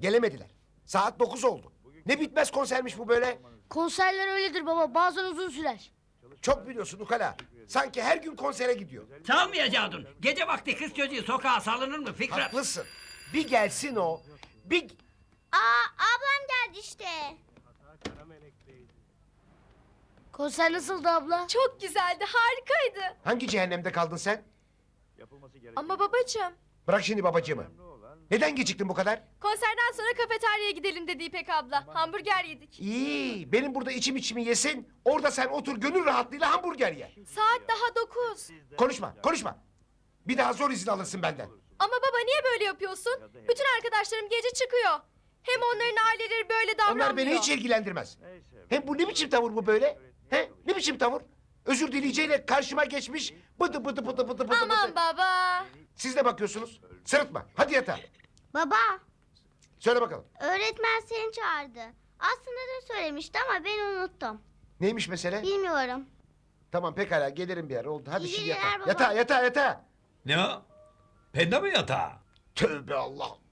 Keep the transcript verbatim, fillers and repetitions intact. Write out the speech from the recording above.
Gelemediler. Saat dokuz oldu. Ne bitmez konsermiş bu böyle. Konserler öyledir baba. Bazen uzun sürer. Çok biliyorsun ukala. Sanki her gün konsere gidiyor. Çalmayacaktın. Gece vakti kız çocuğu sokağa salınır mı Fikret? Haklısın. Bir gelsin o. Bir... Aa, ablam geldi işte. Konser nasıldı abla? Çok güzeldi, harikaydı. Hangi cehennemde kaldın sen? Ama babacığım, Bırak şimdi babacığımı. Neden geciktin bu kadar? konserden sonra kafeteryaya gidelim dedi İpek abla. Hamburger yedik. İyi. Benim burada içim içimi yesin. Orada sen otur gönül rahatlığıyla hamburger ye. Saat daha dokuz. Konuşma, konuşma. Bir daha zor izin alırsın benden. Ama baba niye böyle yapıyorsun? Bütün arkadaşlarım gece çıkıyor. Hem onların aileleri böyle davranmıyor. Onlar beni hiç ilgilendirmez. Hem bu ne biçim tavır bu böyle? He? Ne biçim tavır? Özür dileyeceğiyle karşıma geçmiş bıdı bıdı bıdı bıdı bıdı Aman bıdı. baba. Siz de bakıyorsunuz. Sırıtma. Hadi yatağa. Baba, Söyle bakalım. öğretmen seni çağırdı. Aslında dün söylemişti ama ben unuttum. Neymiş mesele? Bilmiyorum. Tamam pekala gelirim bir ara oldu. Hadi İyi şimdi geceler yatağa. baba. Yatağa yatağa yatağa. Ne o? Penda mı yatağı? Tövbe Allah.